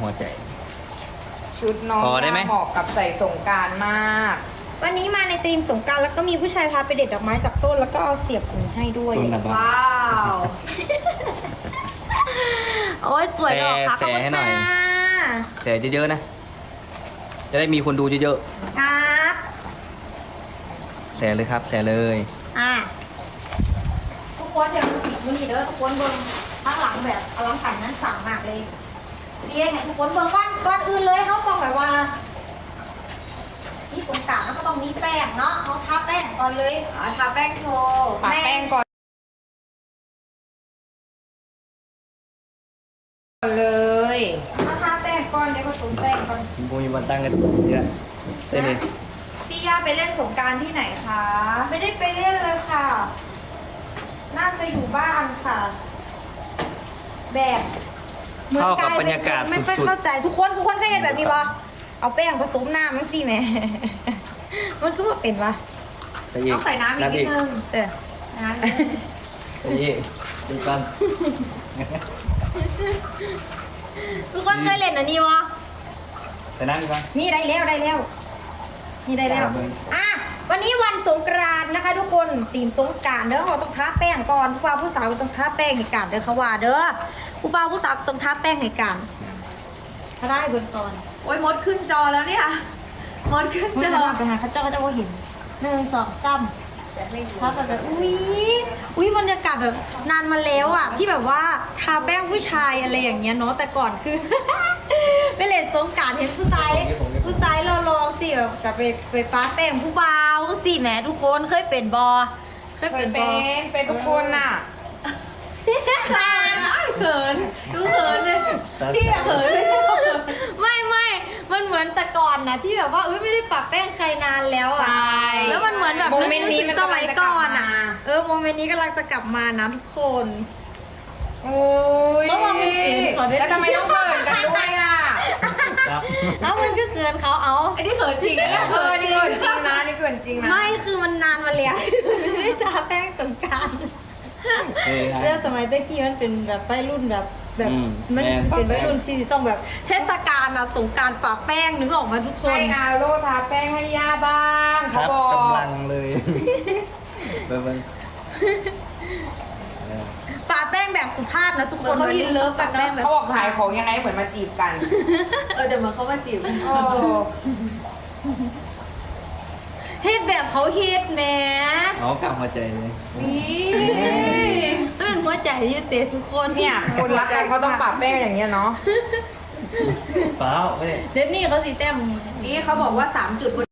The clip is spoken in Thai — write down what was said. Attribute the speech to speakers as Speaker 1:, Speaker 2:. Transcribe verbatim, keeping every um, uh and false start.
Speaker 1: หัวใจ
Speaker 2: ชุดน้อง
Speaker 1: พอได้ไหม
Speaker 2: เหมาะกับใส่สงกรานต์มาก
Speaker 3: วันนี้มาในธีมสงกรานต์แล้วก็มีผู้ชายพาไปเด็ดดอกไม้จากต้นแล้วก็เอาเสียบหูให้ด้วย
Speaker 1: ต้นนะบ้า
Speaker 2: ว้าว
Speaker 3: โอ้ยสวยดอกค่ะ
Speaker 1: แช
Speaker 3: ขอบ
Speaker 1: ร์
Speaker 3: คุณ
Speaker 1: ให้หน่อย
Speaker 3: ค่ะ
Speaker 1: แชร์เยอะๆนะ จะได้มีคนดูเยอะ
Speaker 3: ครับ
Speaker 1: ๆแชร์เลยครับแชร์เลย
Speaker 3: อ่ะทุกคนเดี๋ยวดูสิมือนี้เด้อทุกคนเบิ่งข้างหลังแบบอลังการนั้นสั่งมากเลยเรียกให้ทุกคนเบิ่งก่อนก่อนอื่นเลยเขาต้องแบบว่านี่สงกรานต์แล้วก็ต้องมีแป้งเนาะเขาทาแป้งก่อนเลย
Speaker 2: อ่ะทาแป้งโชว์ปาแป้งก่อนเลย
Speaker 3: มาทาแป้งก่อนเดี๋ยวผสมแป้งก่อน
Speaker 1: ผมมีวันตั้งกันเยอะเส้นนี้
Speaker 2: พี่ย่าไปเล่นสงกรานต์ที่ไหนคะ
Speaker 3: ไม่ได้ไปเล่นเลยค่ะ น่าจะอยู่บ้านค่ะ แบบหมือน
Speaker 1: เข้ากับบรรยากาศ
Speaker 3: ไม่ค่อย
Speaker 1: สุด
Speaker 3: เข้าใจทุกคนทุกคนเคยเห็นแบบนี้ปะเอาแป้งผสมน้ำมันสิแหม่ มันก็ว่าเป็นปะ
Speaker 1: ๆไปอีก
Speaker 2: ต้องใส่น้ำอีกนิดนึง
Speaker 3: เออ
Speaker 2: น้ำอีกนิดนึง
Speaker 1: ไปอีกดูกัน
Speaker 3: ทุกคนเคยเล่นอันนี้วะ
Speaker 1: ใส่น้ำดีกว่า
Speaker 3: นี่ได้แล้วได้แล้ว นี่ได้แล้ว
Speaker 1: ได้เลย
Speaker 3: อ่ะวันนี้วันสงกรานต์นะคะ ทุกคนตีมสงกรานต์เด้อเราต้องทาแป้งก่อนผู้บ่าวผู้สาวต้องทาแป้งให้กันเด้อเขาว่าเด้อผู้บ่าวผู้สาวต้องทาแป้งให้กันถ้าได้เบนก่อน
Speaker 2: โอ้ยมดขึ้นจอแล้วเนี่ยมดขึ้น
Speaker 3: ไม่
Speaker 2: จ
Speaker 3: ได้
Speaker 2: อ
Speaker 3: ไปหาเขาเจ้าก็จะว่าเห็นหนึ่งสองสามถ้าแบบแบบอุ้ยอุ้ยบรรยากาศแบบนานมาแล้วอ่ะ ที่แบบว่าทาแป้งผู้ชายอะไรอย่างเงี้ยเนาะแต่ก่อนคือ ไปเล่นสงกรานต์เห็นผู้ชายผู้ชายรอๆสิแบบกับไปไปป้าแป้งผู้บ่าวสิแหมทุกคนเคยเป็นบอเคย
Speaker 2: เค
Speaker 3: เป็
Speaker 2: ย
Speaker 3: นบ
Speaker 2: เป็
Speaker 3: อน
Speaker 2: เป็นทุกคนน่ะ
Speaker 3: คลาน
Speaker 2: เขินดูเขินเลยพี่อะเขินไม่ใช่เขาเขิน
Speaker 3: ไม่ไม่มันเหมือนแต่ก่อนนะที่แบบว่าอุ้ยไม่ได้ปะแป้งใครนานแล้วอ่ะ
Speaker 2: ใช่
Speaker 3: แล้วมันเหมือนแบบ
Speaker 2: โมเมนต์นี้มัน
Speaker 3: ส
Speaker 2: กำลั
Speaker 3: มั
Speaker 2: ง
Speaker 3: ย
Speaker 2: จะกลั
Speaker 3: ก่
Speaker 2: บ
Speaker 3: อนอ่ะ
Speaker 2: มา
Speaker 3: เออโมเมนต์นี้กำลังจะกลับมานะทุกคน
Speaker 2: โอ้ย
Speaker 3: เขาบอกมันเขินขอด้วย
Speaker 2: แล้วทำไมต้องเขินกันด้วยอ่ะ
Speaker 1: ครับ
Speaker 3: แล้วมันก็เกินเขาเอา
Speaker 2: ไอ้ที่เขินจริงนะเขินนี่เขินจริงนะนี่เขินจริงนะ
Speaker 3: ไม่คือมันนานมาแล้ว ไม่ได้ทาแป้งสงกราร
Speaker 1: เออนะ
Speaker 3: เรื่องสมัยตะกี้มันเป็นแบบวัยรุ่นแบบแบบ
Speaker 1: อืม
Speaker 3: มัน
Speaker 1: แม่น
Speaker 3: เป็นวัยรุ่นที่ต้องแบบเทศกาลอะสงกรารปะแป้งนึกออกมาทุกคน
Speaker 2: ให้อาโรทาแป้งให้ย่าบ้าง
Speaker 1: ค
Speaker 2: เขา
Speaker 1: รับ
Speaker 2: บอก
Speaker 1: กำลังเลยเบิ่งเออ
Speaker 3: ปะแป้งแบบสุภาพนะทุก
Speaker 2: เห
Speaker 3: ค
Speaker 2: มือน นเขาอินเลิฟกัน
Speaker 3: ปะแป้
Speaker 2: เนาะ
Speaker 3: งแบบ
Speaker 2: เขาบอกขายของยังไงเหมือนมาจีบกัน
Speaker 4: เออแต่เหมือนเขามาจีบ
Speaker 2: โอ้
Speaker 3: เฮ็ดแบบเขาเฮ็ดแหม
Speaker 1: เอากลับหัวใจเลย
Speaker 2: นี่
Speaker 3: เป็นหัวใจอยืดเตะทุกคน
Speaker 2: เนี่ยคนรักกันเขาต้องปรับแป้งอย่างเงี้ยเนาะ
Speaker 1: เปล่าไม่ได้
Speaker 3: เดี๋ยวนี้เขาสีแต้ม
Speaker 4: นี่เขาบอกว่าสามจุดบน